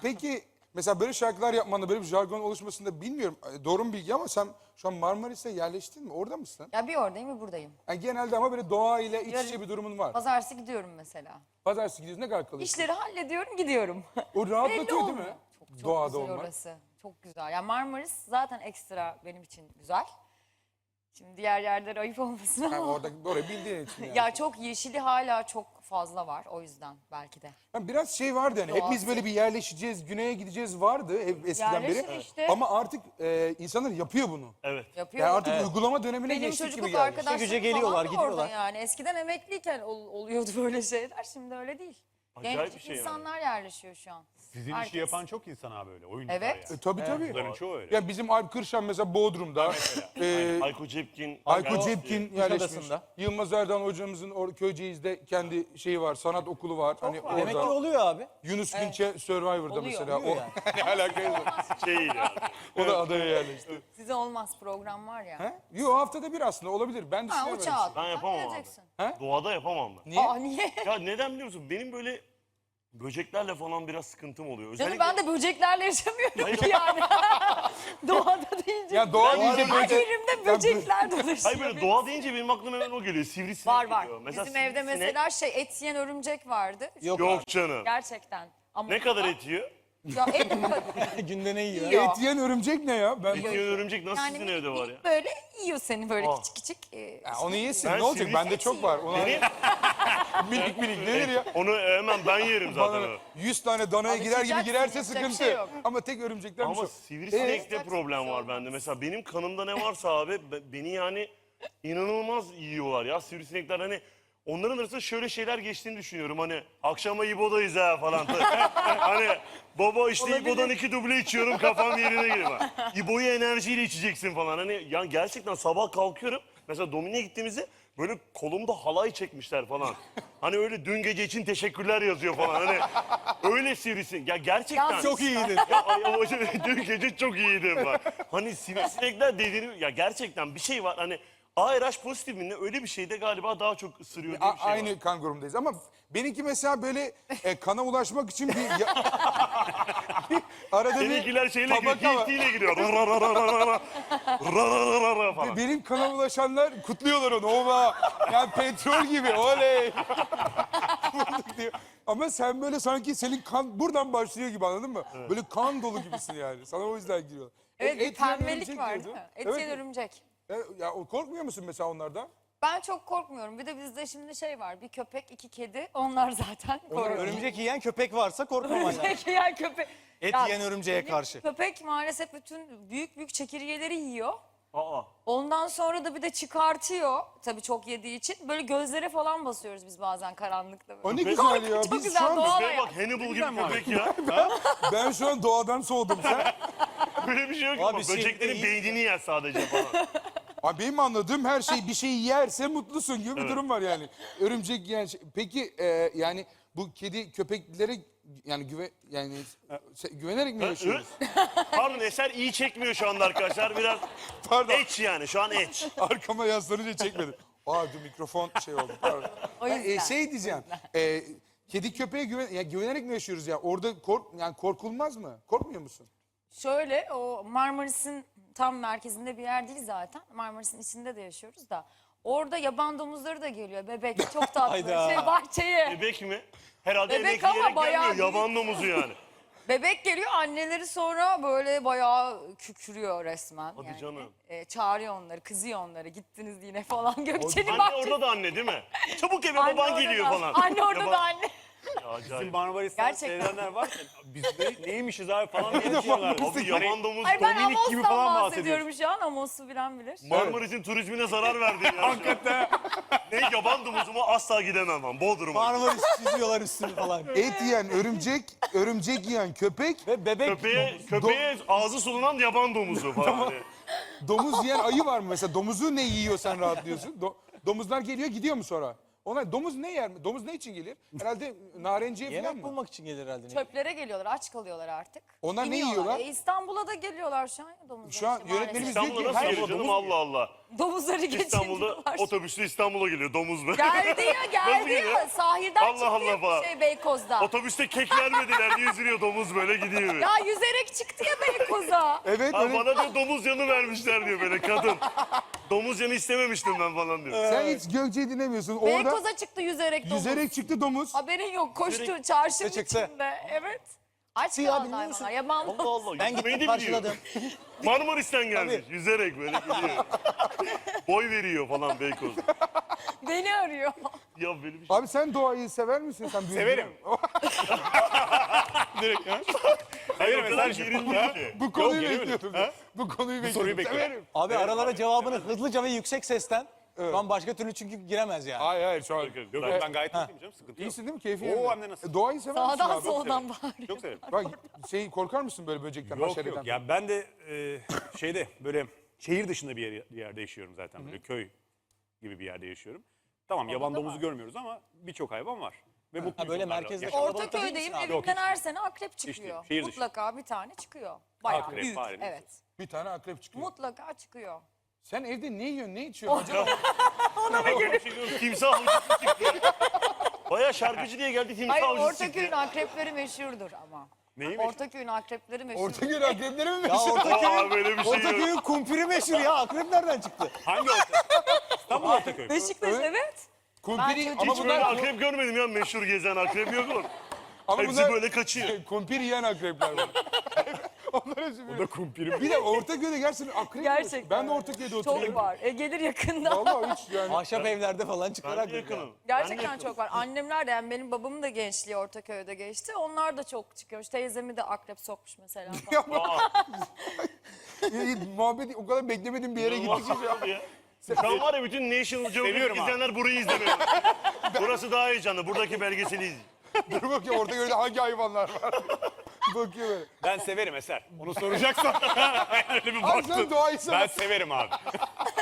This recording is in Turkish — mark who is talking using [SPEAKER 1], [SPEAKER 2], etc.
[SPEAKER 1] Peki mesela böyle şarkılar yapmanda, böyle bir jargon oluşmasında bilmiyorum. Doğru mu bilgi ama sen şu an Marmaris'e yerleştin mi? Orada mısın?
[SPEAKER 2] Ya bir oradayım bir buradayım.
[SPEAKER 1] Yani genelde ama böyle doğa ile iç içe
[SPEAKER 2] Yarın-
[SPEAKER 1] bir durumun var.
[SPEAKER 2] Pazartesi gidiyorum mesela.
[SPEAKER 1] Pazartesi gidiyorsun, ne kadar kalıyorsun?
[SPEAKER 2] İşleri hallediyorum gidiyorum.
[SPEAKER 1] O
[SPEAKER 2] Belli
[SPEAKER 1] rahatlatıyor değil
[SPEAKER 2] olmuyor.
[SPEAKER 1] mi?
[SPEAKER 2] Çok
[SPEAKER 1] Doğada
[SPEAKER 2] güzel
[SPEAKER 1] olmak.
[SPEAKER 2] orası. Çok güzel. Yani Marmaris zaten ekstra benim için güzel. Şimdi diğer yerler ayıp olmasın ama.
[SPEAKER 1] Yani orayı bildiğin için yani.
[SPEAKER 2] Ya çok yeşili hala çok fazla var o yüzden belki de.
[SPEAKER 1] Yani biraz şey vardı hani
[SPEAKER 2] Doğası.
[SPEAKER 1] hepimiz böyle bir yerleşeceğiz, güneye gideceğiz vardı hep eskiden beri.
[SPEAKER 2] Yerleşir işte.
[SPEAKER 1] Ama artık insanlar yapıyor bunu.
[SPEAKER 3] Evet.
[SPEAKER 2] Yapıyor.
[SPEAKER 1] Yani artık uygulama dönemine
[SPEAKER 2] Benim
[SPEAKER 1] geçtik gibi
[SPEAKER 2] çocukluk
[SPEAKER 1] geldi.
[SPEAKER 2] arkadaşlarım
[SPEAKER 4] güce geliyorlar,
[SPEAKER 2] falan da orada
[SPEAKER 4] gidiyorlar.
[SPEAKER 2] yani. Eskiden emekliyken oluyordu böyle şeyler. Şimdi öyle değil.
[SPEAKER 3] Acayip
[SPEAKER 2] Genç
[SPEAKER 3] bir şey yani.
[SPEAKER 2] insanlar yerleşiyor şu an.
[SPEAKER 5] Sizin
[SPEAKER 2] Herkes.
[SPEAKER 5] işi yapan çok insan abi öyle. Oyuncular
[SPEAKER 2] Evet.
[SPEAKER 5] yani.
[SPEAKER 1] Tabii.
[SPEAKER 5] Bunların çoğu öyle.
[SPEAKER 1] Ya bizim Alp Kırşan mesela Bodrum'da.
[SPEAKER 3] Hayko Cepkin.
[SPEAKER 1] Ayko
[SPEAKER 3] Yani-
[SPEAKER 1] Cepkin yerleşmiş.
[SPEAKER 4] Kuşadası'nda.
[SPEAKER 1] Yılmaz Erdoğan hocamızın Köyceğiz'de kendi şeyi var, sanat okulu var. Hani
[SPEAKER 2] var.
[SPEAKER 4] Demek ki
[SPEAKER 1] orada.
[SPEAKER 4] oluyor abi.
[SPEAKER 1] Yunus Günçe Survivor'da
[SPEAKER 2] Oluyor,
[SPEAKER 1] mesela.
[SPEAKER 4] oluyor
[SPEAKER 1] O ne alakası var?
[SPEAKER 3] Şey yani.
[SPEAKER 1] O da adaya yerleşti.
[SPEAKER 2] Size olmaz program var ya.
[SPEAKER 1] He? Yo, haftada bir aslında olabilir. Ben
[SPEAKER 2] Ha
[SPEAKER 1] düşünüyorum.
[SPEAKER 2] uçağa
[SPEAKER 3] Ben yapamam abi.
[SPEAKER 2] geleceksin.
[SPEAKER 3] Doğada yapamam ben.
[SPEAKER 1] Niye?
[SPEAKER 2] Aa niye?
[SPEAKER 3] Ya neden biliyor musun? Benim böyle böceklerle falan biraz sıkıntım oluyor.
[SPEAKER 2] Canım ben de böceklerle yaşamıyorum
[SPEAKER 3] Hayır.
[SPEAKER 2] ki yani. Doğada deyince.
[SPEAKER 1] Ya doğa deyince
[SPEAKER 2] Her
[SPEAKER 1] böcek.
[SPEAKER 2] yerimde böcekler dolaşıyor.
[SPEAKER 3] Hayır böyle doğa deyince benim aklıma hemen o geliyor. Sivrisinek
[SPEAKER 2] Var var.
[SPEAKER 3] geliyor.
[SPEAKER 2] Bizim evde
[SPEAKER 3] sivrisinek-
[SPEAKER 2] mesela et yiyen örümcek vardı.
[SPEAKER 3] Yok canım.
[SPEAKER 2] Gerçekten. Ama
[SPEAKER 3] Ne kadar et yiyor?
[SPEAKER 2] Ya et
[SPEAKER 4] Günde ne yiyor?
[SPEAKER 2] yiyor.
[SPEAKER 1] Et yiyen örümcek ne ya? Ben
[SPEAKER 3] Et yiyen örümcek nasıl
[SPEAKER 2] Yani
[SPEAKER 3] sizin evde var ya?
[SPEAKER 2] minik böyle yiyor seni böyle
[SPEAKER 3] Ah.
[SPEAKER 2] küçük küçük.
[SPEAKER 1] Ya onu yesin.
[SPEAKER 3] Ben
[SPEAKER 1] Ne olacak?
[SPEAKER 3] sivrisinek
[SPEAKER 1] Bende çok var. Ona
[SPEAKER 3] Benim,
[SPEAKER 1] minik nedir ya?
[SPEAKER 3] onu hemen ben yerim zaten.
[SPEAKER 1] Bana
[SPEAKER 3] onu.
[SPEAKER 1] 100 tane danaya girer gibi
[SPEAKER 2] Alışacaksın,
[SPEAKER 1] girerse
[SPEAKER 2] yapacak bir
[SPEAKER 1] sıkıntı.
[SPEAKER 2] şey yok.
[SPEAKER 1] Ama tek örümcekten bir
[SPEAKER 3] Ama
[SPEAKER 1] şey.
[SPEAKER 3] sivrisinekte problem var bende. Mesela benim kanımda ne varsa abi beni yani inanılmaz yiyorlar ya sivrisinekler. Hani onların arasında şöyle şeyler geçtiğini düşünüyorum. Hani akşama İbo'dayız ha falan. Hani baba işte İbo'dan 2 duble içiyorum kafam yerine geliyor. İbo'yu enerjiyle içeceksin falan. Hani yani gerçekten sabah kalkıyorum. Mesela Domine gittiğimizde böyle kolumda halay çekmişler falan. Hani öyle dün gece için teşekkürler yazıyor falan. Hani öyle sivrisinek. Ya gerçekten.
[SPEAKER 2] Yalnız
[SPEAKER 4] Çok iyiydin.
[SPEAKER 3] Ya, dün gece çok iyiydim bak. Hani sivrisinekler dediğini ya gerçekten bir şey var hani ARH pozitifinde öyle bir şeyde galiba daha çok ısırıyor diye bir şey
[SPEAKER 1] Aynı
[SPEAKER 3] var.
[SPEAKER 1] kan grubundayız ama benimki mesela böyle kana ulaşmak için arada bir
[SPEAKER 3] Seninkiler şeyle giriyor,
[SPEAKER 1] tabaka var.
[SPEAKER 3] hiltiyle giriyor. Rararararara, rarararara falan.
[SPEAKER 1] Benim kana ulaşanlar kutluyorlar onu. Ova. Yani petrol gibi. Oley. Bulduk diyor. Ama sen böyle sanki senin kan buradan başlıyor gibi, anladın mı? Böyle kan dolu gibisin yani. Sana o yüzden giriyor.
[SPEAKER 2] Evet bir
[SPEAKER 1] Et yiyen
[SPEAKER 2] pembelik
[SPEAKER 1] örümcek
[SPEAKER 2] var
[SPEAKER 1] diyordun.
[SPEAKER 2] değil mi? Et
[SPEAKER 1] Evet.
[SPEAKER 2] yiyen örümcek.
[SPEAKER 1] Ya korkmuyor musun mesela onlardan?
[SPEAKER 2] Ben çok korkmuyorum. Bir de bizde şimdi şey var. Bir köpek, 2 kedi. Onlar zaten korkuyor.
[SPEAKER 4] Örümcek yiyen köpek varsa korkmaman lazım.
[SPEAKER 2] Örümcek yiyen köpek.
[SPEAKER 4] Et
[SPEAKER 2] Ya,
[SPEAKER 4] yiyen örümceğe
[SPEAKER 2] benim
[SPEAKER 4] karşı.
[SPEAKER 2] Köpek maalesef bütün büyük çekirgeleri yiyor.
[SPEAKER 3] Aa,
[SPEAKER 2] Ondan sonra da bir de çıkartıyor. Tabii çok yediği için. Böyle gözlere falan basıyoruz biz bazen karanlıkta. Böyle.
[SPEAKER 1] O ne güzel ya.
[SPEAKER 2] Çok
[SPEAKER 1] Biz
[SPEAKER 2] güzel,
[SPEAKER 1] şu an,
[SPEAKER 2] doğal.
[SPEAKER 3] köpeğe bak Hannibal gibi köpek ya.
[SPEAKER 1] ben şu an doğadan soğudum. Sen?
[SPEAKER 3] Böyle bir şey yok
[SPEAKER 4] Abi
[SPEAKER 3] ama
[SPEAKER 4] şey
[SPEAKER 3] böceklerin
[SPEAKER 4] değil.
[SPEAKER 3] beynini yer sadece falan.
[SPEAKER 1] Abi benim anladığım her şey bir şeyi yerse mutlusun gibi bir durum var yani. Örümcek yiyen şey. Peki yani bu kedi köpeklere yani güvenerek mi yaşıyoruz?
[SPEAKER 3] Pardon Eser iyi çekmiyor şu anda arkadaşlar. Biraz
[SPEAKER 1] Pardon.
[SPEAKER 3] eç yani şu an eç.
[SPEAKER 1] Arkama yaslanınca çekmedim. Dur mikrofon şey oldu. Pardon.
[SPEAKER 2] O yüzden.
[SPEAKER 1] Şey diyeceğim. Kedi köpeğe güvenerek mi yaşıyoruz ya? Orada korkulmaz mı? Korkmuyor musun?
[SPEAKER 2] Şöyle o Marmaris'in tam merkezinde bir yer değil zaten. Marmaris'in içinde de yaşıyoruz da. Orada yaban domuzları da geliyor. Bebek çok tatlı.
[SPEAKER 4] Hayda.
[SPEAKER 2] Bahçeye.
[SPEAKER 3] Bebek mi? Herhalde
[SPEAKER 2] Bebek
[SPEAKER 3] emek
[SPEAKER 2] ama
[SPEAKER 3] yiyerek
[SPEAKER 2] bayağı
[SPEAKER 3] gelmiyor. Yaban domuzu yani.
[SPEAKER 2] Bebek geliyor, anneleri sonra böyle bayağı kükürüyor resmen.
[SPEAKER 3] Hadi canım.
[SPEAKER 2] Çağırıyor onları, kızıyor onları. Gittiniz yine falan. Gökçe'nin
[SPEAKER 3] Anne
[SPEAKER 2] bahçesi.
[SPEAKER 3] orada da anne değil mi? Çabuk eve
[SPEAKER 2] Anne
[SPEAKER 3] baban
[SPEAKER 2] orada
[SPEAKER 3] geliyor
[SPEAKER 2] da-
[SPEAKER 3] falan.
[SPEAKER 2] Anne orada
[SPEAKER 3] Yaban-
[SPEAKER 2] da anne.
[SPEAKER 3] Ya, acayip.
[SPEAKER 4] Bizim Marmaris'ten
[SPEAKER 2] Gerçekten.
[SPEAKER 4] seyredenler var. Biz de neymişiz abi falan diye düşünüyorlar.
[SPEAKER 3] Abi yaban domuz
[SPEAKER 2] Ay ben
[SPEAKER 4] Dominik gibi
[SPEAKER 2] Amos'tan
[SPEAKER 4] falan
[SPEAKER 2] bahsediyorum şu an. Amos'u bilen bilir.
[SPEAKER 3] Marmaris'in turizmine zarar verdi ya. Hakikaten. Ne yaban domuzu mu asla gidemem ben. Bodrum'a.
[SPEAKER 4] Marmaris çiziyorlar üstünü falan.
[SPEAKER 1] Et yiyen örümcek yiyen köpek,
[SPEAKER 4] Ve bebek
[SPEAKER 3] Köpeğe ağzı sulunan yaban domuzu falan. Hani.
[SPEAKER 1] domuz yiyen ayı var mı mesela? Domuzu ne yiyor sen rahatlıyorsun? Domuzlar geliyor gidiyor mu sonra? Onlar domuz ne yer mi? Domuz ne için gelir? Herhalde narenciye falan
[SPEAKER 4] Yemek
[SPEAKER 1] mı?
[SPEAKER 4] bulmak için gelir herhalde.
[SPEAKER 2] Çöplere geliyorlar, aç kalıyorlar artık.
[SPEAKER 1] Onlar ne
[SPEAKER 2] İniyorlar.
[SPEAKER 1] yiyorlar?
[SPEAKER 2] İstanbul'a da geliyorlar şu an ya domuzlar.
[SPEAKER 1] Şu an
[SPEAKER 2] işte
[SPEAKER 1] yönetmenimiz
[SPEAKER 2] maalesef.
[SPEAKER 1] diyor ki
[SPEAKER 3] İstanbul'a nasıl
[SPEAKER 1] her
[SPEAKER 3] geliyor canım Allah Allah.
[SPEAKER 2] Domuzları
[SPEAKER 3] İstanbul'da
[SPEAKER 2] geçirdiler.
[SPEAKER 3] otobüsle İstanbul'a geliyor domuz be.
[SPEAKER 2] Geldi ya geldi
[SPEAKER 3] Nasıl
[SPEAKER 2] ya.
[SPEAKER 3] geliyor?
[SPEAKER 2] Sahilden
[SPEAKER 3] Allah
[SPEAKER 2] çıktı
[SPEAKER 3] Allah
[SPEAKER 2] ya
[SPEAKER 3] falan.
[SPEAKER 2] şey Beykoz'da.
[SPEAKER 3] Otobüste kek vermediler diye üzülüyor domuz böyle gidiyor.
[SPEAKER 2] Ya yüzerek çıktı ya Beykoz'a.
[SPEAKER 1] Evet
[SPEAKER 3] Ha,
[SPEAKER 1] öyle.
[SPEAKER 3] bana diyor domuz yanı vermişler diyor böyle kadın. Domuz yanı istememiştim ben falan diyor.
[SPEAKER 1] Sen hiç Gökçe'yi dinlemiyorsun. Orada
[SPEAKER 2] Beykoz'a çıktı yüzerek domuz.
[SPEAKER 1] yüzerek çıktı domuz.
[SPEAKER 2] Haberin yok koştu çarşının
[SPEAKER 4] çıktı.
[SPEAKER 2] içinde. Evet. Aç
[SPEAKER 4] Ya
[SPEAKER 2] kalan
[SPEAKER 4] bilmiyor musun?
[SPEAKER 2] hayvanlar. Yaban
[SPEAKER 3] Allah Allah.
[SPEAKER 4] Ben
[SPEAKER 3] yüzmeyi
[SPEAKER 4] gittim
[SPEAKER 3] de biliyor.
[SPEAKER 4] karşıladım.
[SPEAKER 3] Marmaris'ten gelmiş. Yüzerek böyle gidiyor. Boy veriyor falan Beykoz.
[SPEAKER 2] beni arıyor.
[SPEAKER 3] Ya böyle bir şey.
[SPEAKER 1] Abi sen doğayı sever misin? Sen büyüdün
[SPEAKER 5] Severim.
[SPEAKER 1] mü?
[SPEAKER 5] Direkt ha?
[SPEAKER 3] Hayır,
[SPEAKER 5] Severim
[SPEAKER 3] o kadar
[SPEAKER 5] Eser'cim.
[SPEAKER 3] gerilmiyor ki.
[SPEAKER 1] Bu konuyu
[SPEAKER 5] gelemedim.
[SPEAKER 1] bekliyordum.
[SPEAKER 5] Ha?
[SPEAKER 1] Bu konuyu bekliyordum.
[SPEAKER 5] soruyu bekliyorum.
[SPEAKER 1] Severim.
[SPEAKER 4] Abi aralara cevabını hızlıca ve yüksek sesten. Şu an başka türlü çünkü giremez yani.
[SPEAKER 1] Hayır hayır şu an.
[SPEAKER 5] Yok ben gayet iyiyim canım, sıkıntı yok.
[SPEAKER 1] İyisin değil mi? Keyfin
[SPEAKER 5] Oo,
[SPEAKER 1] yerinde.
[SPEAKER 5] hem de nasıl?
[SPEAKER 1] Doğayı sever misin
[SPEAKER 2] Sağdan
[SPEAKER 1] abi?
[SPEAKER 2] soldan bağırıyor.
[SPEAKER 5] Çok severim.
[SPEAKER 1] Bak korkar mısın böyle böcekten,
[SPEAKER 5] Yok
[SPEAKER 1] haşereden?
[SPEAKER 5] yok. Ya ben de şeyde böyle şehir dışında bir yerde yaşıyorum zaten. Böyle köy gibi bir yerde yaşıyorum. Tamam yaban domuzu görmüyoruz ama birçok hayvan var. Ve mutluyuz
[SPEAKER 4] Ha, böyle
[SPEAKER 5] onlarla.
[SPEAKER 4] merkezde
[SPEAKER 5] Yaşam-
[SPEAKER 4] kalabalık değil
[SPEAKER 2] Ortaköy'deyim
[SPEAKER 4] misin abi?
[SPEAKER 5] Yok,
[SPEAKER 2] evimden
[SPEAKER 5] hiç.
[SPEAKER 2] her sene akrep çıkıyor.
[SPEAKER 5] şehir dışı.
[SPEAKER 2] Mutlaka bir tane çıkıyor. Bayağı
[SPEAKER 5] Akrep,
[SPEAKER 2] büyük.
[SPEAKER 5] fare, neyse.
[SPEAKER 2] Evet.
[SPEAKER 1] Bir tane akrep çıkıyor.
[SPEAKER 2] Mutlaka çıkıyor.
[SPEAKER 1] Sen evde ne yiyorsun, ne içiyorsun? Acaba?
[SPEAKER 3] Timsah avcısı çıktı. Baya şarkıcı diye geldi timsah
[SPEAKER 2] Hayır
[SPEAKER 3] avcısı çıktı.
[SPEAKER 2] Ortaköy'ün akrepleri meşhurdur ama.
[SPEAKER 5] Neyi
[SPEAKER 2] Ortaköy'ün akrepleri meşhur.
[SPEAKER 1] Ortaköy'ün akrepleri mi
[SPEAKER 4] Ya
[SPEAKER 1] meşhur?
[SPEAKER 3] Aa böyle bir şey yok.
[SPEAKER 4] Ortaköy'ün kumpiri meşhur ya. Akrep nereden çıktı?
[SPEAKER 5] Hangi Ortaköy? İstanbul Ortaköy.
[SPEAKER 2] Beşiktaş
[SPEAKER 1] Evet.
[SPEAKER 2] evet.
[SPEAKER 1] Kumpiri,
[SPEAKER 2] Ben
[SPEAKER 1] ama
[SPEAKER 3] Hiç böyle
[SPEAKER 1] bunlar,
[SPEAKER 3] akrep görmedim ya meşhur gezen akrep yok mu?
[SPEAKER 1] ama
[SPEAKER 3] Hepsi
[SPEAKER 1] bunlar
[SPEAKER 3] böyle kaçıyor.
[SPEAKER 1] kumpir yiyen akrepler var. Onlar hepsi
[SPEAKER 5] Bu da kumpirim.
[SPEAKER 1] Bir de Ortaköy'de gerçekten akrep mi?
[SPEAKER 2] Gerçekten.
[SPEAKER 1] Ben de Ortaköy'de oturuyorum.
[SPEAKER 2] Çok var. Gelir yakında.
[SPEAKER 1] Vallahi hiç yani.
[SPEAKER 4] Ahşap evlerde falan çıkar
[SPEAKER 3] Ben de
[SPEAKER 4] akrep ya.
[SPEAKER 3] yakınım.
[SPEAKER 2] Gerçekten çok var. Annemler de yani benim babamın da gençliği Ortaköy'de geçti. Onlar da çok çıkıyormuş. Teyzemi de akrep sokmuş mesela. falan.
[SPEAKER 1] Muhabbeti o kadar beklemedim bir yere gittik ki.
[SPEAKER 3] Ya. Şu an var ya bütün National Geographic
[SPEAKER 5] Seviyorum abi.
[SPEAKER 3] izleyenler burayı izlemiyor. Burası daha heyecanlı. Buradaki belgeseli izleyin.
[SPEAKER 1] Dur bakayım Ortaköy'de hangi hayvanlar var. Bakıyor böyle.
[SPEAKER 5] Ben severim Eser. Onu soracaksan öyle bir
[SPEAKER 1] Abi sen
[SPEAKER 5] baktın.
[SPEAKER 1] doğayı
[SPEAKER 5] Ben
[SPEAKER 1] seversin.
[SPEAKER 5] severim abi.